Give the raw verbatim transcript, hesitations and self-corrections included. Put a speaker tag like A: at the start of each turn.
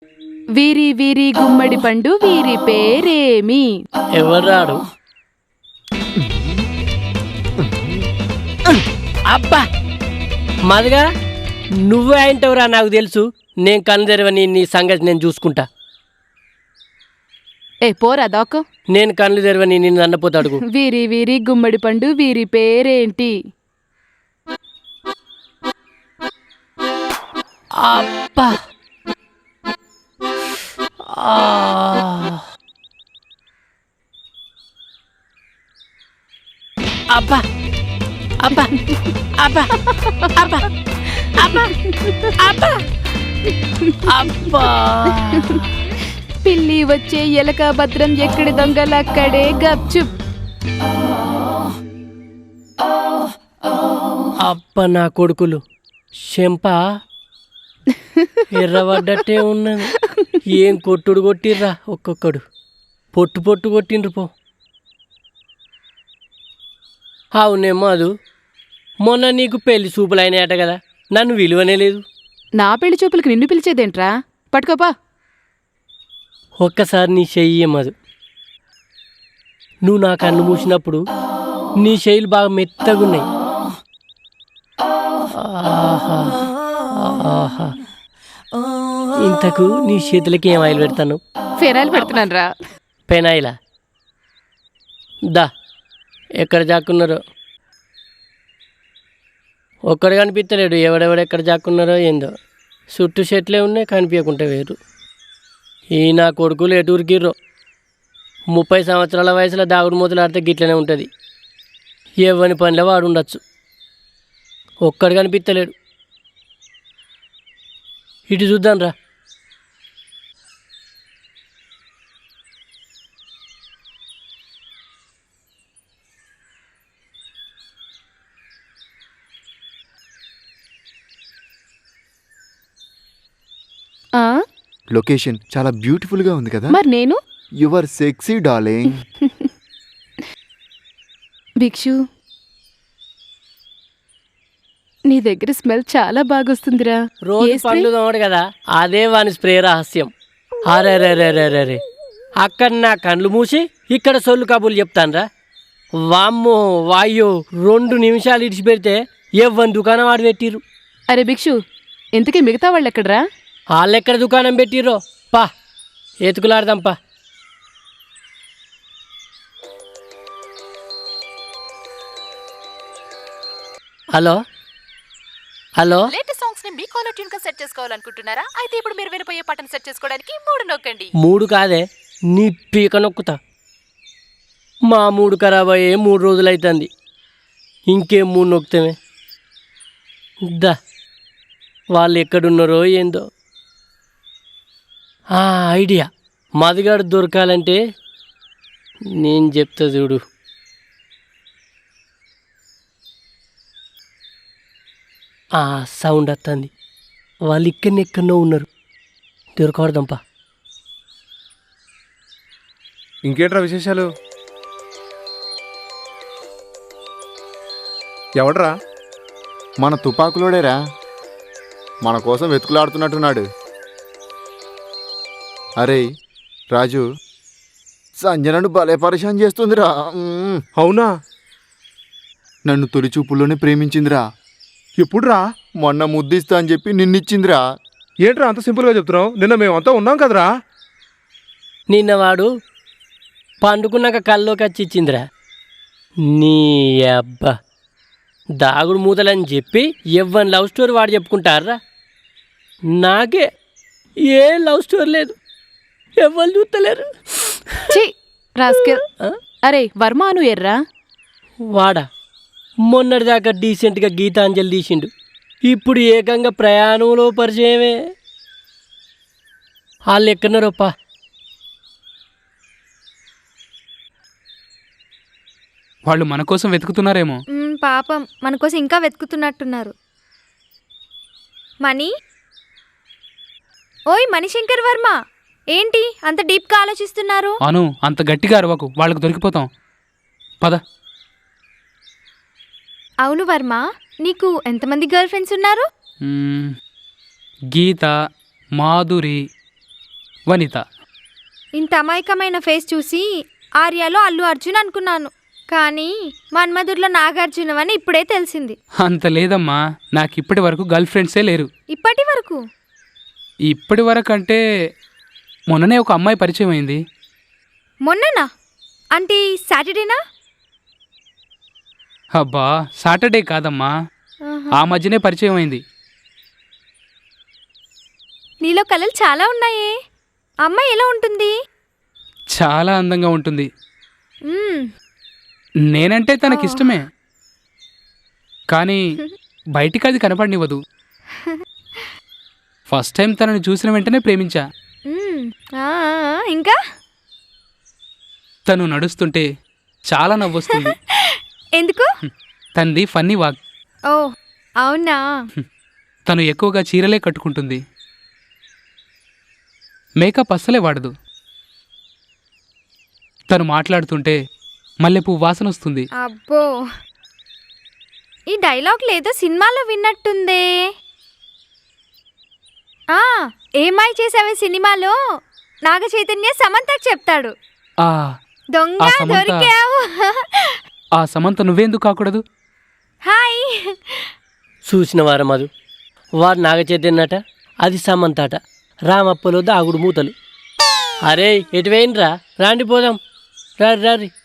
A: వీరి వీరి గుమ్మడి పండు వీరి పేరేమి?
B: ఎవరాడు? అబ్బా మదిగా నువ్వే అంటవురా, నాకు తెలుసు. నేను కన్ను తెరవని నీ సంగతి నేను చూసుకుంటా.
A: ఏ పోరా దాకో.
B: నేను కళ్ళు తెరవని నిన్ను అన్నపోతాడు.
A: వీరి వీరి గుమ్మడి పండు వీరి పేరేంటి?
B: అబ్బా అబ్బా అబ్బా అబ్బా అబ్బా అబ్బా అబ్బా అబ్బా
A: పిల్లి వచ్చే ఎలక భద్రం ఎక్కడి దొంగలక్కడే గప్చుప్.
B: అబ్బ నా కొడుకులు చెంప ఎర్రబడ్డట్టే ఉన్నది. ఏం కొట్టుడు కొట్టిర్రా ఒక్కొక్కడు. పొట్టు పొట్టు కొట్టిండ్రు పో. అవునేమో అదు, మొన్న నీకు పెళ్లి చూపులు అయినాయట కదా, నన్ను విలువనే లేదు.
A: నా పెళ్లి చూపులకి నిన్ను పిలిచేదేంట్రా? పట్టుకోపా.
B: ఒక్కసారి నీ చెయ్యి మధు. నువ్వు నా కన్ను మూసినప్పుడు నీ చెయ్యిలు బాగా మెత్తగున్నాయి. ఆహా ఆహా. ఇంతకు నీ చేతులకి ఏం ఆయిల్ పెడతాను?
A: ఫెనాయిల్ పెడుతున్నాను రా.
B: పెనాయిలా? దా, ఎక్కడ జాక్కున్నారో ఒక్కడు కనిపించలేడు. ఎవడెవడు ఎక్కడ జాక్కున్నారో ఏందో. చుట్టూ చెట్లే ఉన్నాయి, కనిపించకుంటే వేరు. ఈ నా కొడుకులు ఎటూరికిర్రో. ముప్పై సంవత్సరాల వయసులో దాగుడు మూతలు ఆడితే గిట్లనే ఉంటుంది. ఎవని పనిలో వాడు ఉండొచ్చు. ఒక్కడు కనిపించలేడు. ఇటు చూద్దాం రా.
C: లొకేషన్ చాలా బ్యూటిఫుల్ గా ఉంది కదా.
A: మరి నేను
C: యువర్ సెక్సీ డార్లింగ్.
A: భిక్షు, నీ దగ్గర స్మెల్ చాలా బాగొస్తుందిరా.
B: రోజు పళ్ళు తోమడు కదా, అదే వాని స్ప్రే రహస్యం. అరే రే రే రే రే రే అక్కడ నా కళ్ళు మూసి ఇక్కడ సొల్లు కబుర్లు చెప్తానురా. వామ్మో వాయ్యో, రెండు నిమిషాలు ఇడిచిపెడితే ఎవ్వని దుకాణం వాడు పెట్టిర్రు.
A: అరే భిక్షు, ఇంతకీ మిగతా వాళ్ళు ఎక్కడరా?
B: వాళ్ళెక్కడ దుకాణం పెట్టిర్రో పా, ఎతుకులాడదాం పా. హలో హలో,
D: లేటెస్ట్ సాంగ్స్ ని మీ కాలర్ ట్యూన్ గా సెట్ చేసుకోవాలనుకుంటున్నారా? అయితే ఇప్పుడు మీరు వినపోయే పాటను సెట్ చేసుకోవడానికి మూడు నొక్కండి.
B: మూడు కాదే, నీ పీక నొక్కుతా. మా మూడు ఖరాబ్ అయ్యే మూడు రోజులు అవుతుంది. ఇంకేం మూడు నొక్కుతామే. దా, వాళ్ళు ఎక్కడున్నారో ఏందో. ఐడియా, మదిగాడు దొరకాలంటే నేను చెప్తా చూడు. సౌండ్ వస్తుంది. వాళ్ళు ఇక్కడనే ఎక్కడో ఉన్నారు. దొరకవడదాంపా.
E: ఇంకేంట్రా విశేషాలు? ఎవడరా?
C: మన తుపాకులోడేరా, మన కోసం వెతుకులాడుతున్నట్టున్నాడు. అరే రాజు, సంజనను భలే పరిశాన్ చేస్తుందిరా.
E: అవునా?
C: నన్ను తొలి చూపుల్లోనే ప్రేమించిందిరా.
E: ఎప్పుడురా?
C: మొన్న ముద్దిస్తా అని చెప్పి నిన్నిచ్చిందిరా.
E: ఏంట్రా అంత సింపుల్గా చెప్తున్నావు? నిన్న మేమంతా ఉన్నాం కదరా.
B: నిన్న వాడు పండుకున్నాక కల్లోకి వచ్చి ఇచ్చిందిరా. నీ అబ్బా, దాగుడు మూతలని చెప్పి ఎవ్వని లవ్ స్టోరీ వాడు చెప్పుకుంటారా. నాకే ఏ లవ్ స్టోరీ లేదు, ఎవ్వరు చూస్తలేరు.
A: అరే వర్మాను ఎర్రా
B: వాడా మొన్నటిదాకా డీసెంట్గా గీతాంజలి తీసిండు, ఇప్పుడు ఏకంగా ప్రయాణంలో పరిచయమే. వాళ్ళు ఎక్కడున్నారోప్పా?
F: వాళ్ళు మన కోసం వెతుకుతున్నారేమో.
G: పాపం మన కోసం ఇంకా వెతుకుతున్నట్టున్నారు. మనీ, ఓయ్ మణిశంకర్ వర్మ, ఏంటి అంత డీప్గా ఆలోచిస్తున్నారు?
F: అను, అంత గట్టిగా అరవకు, వాళ్ళకు దొరికిపోతాం. పద.
G: అవును వర్మ, నీకు ఎంతమంది గర్ల్ ఫ్రెండ్స్ ఉన్నారు?
F: గీత, మాధురి, వనిత.
G: ఇంత అమాయకమైన ఫేస్ చూసి ఆర్యాలో అల్లు అర్జున్ అనుకున్నాను, కానీ మన్మధుర్లో నాగార్జున అని ఇప్పుడే తెలిసింది.
F: అంత లేదమ్మా, నాకు ఇప్పటి వరకు గర్ల్ ఫ్రెండ్సే లేరు.
G: ఇప్పటి వరకు
F: ఇప్పటి వరకు అంటే మొన్ననే ఒక అమ్మాయి పరిచయం అయింది.
G: మొన్ననా? అంటే సాటర్డేనా?
F: అబ్బా, సాటర్డే కాదమ్మా, ఆ మధ్యనే పరిచయం అయింది.
G: నీలో కళలు చాలా ఉన్నాయే. అమ్మాయి ఎలా ఉంటుంది?
F: చాలా అందంగా ఉంటుంది.
G: మ్మ్.
F: నేనంటే తనకిష్టమే, కానీ బయటికి అది కనపడనివ్వదు. ఫస్ట్ టైం తనని చూసిన వెంటనే ప్రేమించా.
G: మ్మ్. ఆ, ఆ, ఇంకా
F: తను నడుస్తుంటే చాలా నవ్వొస్తుంది.
G: ఎందుకు?
F: తనది ఫన్నీ వాక్.
G: ఓ అవునా?
F: తను ఎక్కువగా చీరలే కట్టుకుంటుంది, మేకప్ అస్సలే వాడదు. తను మాట్లాడుతుంటే మల్లెపువ్వు వాసన వస్తుంది.
G: అబ్బో, ఈ డైలాగ్ లేదో సినిమాలో విన్నట్టుందే. ఆ ఏమై చేసావే సినిమాలో నాగ చైతన్య సమంతకు చెప్తాడు.
F: ఆ
G: దొంగ
F: ఆ సమంత-
G: దొరికావు.
F: ఆ సమంత నువ్వేందుకు కాకూడదు?
G: హాయ్.
B: చూసిన వారం మధు, వాడు నాగచైతన్యట, అది సమంతట. రామప్పలో దాగుడు మూతలు. అరే ఎటు వేయండిరా, రాండి పోదాం, రారి రారి.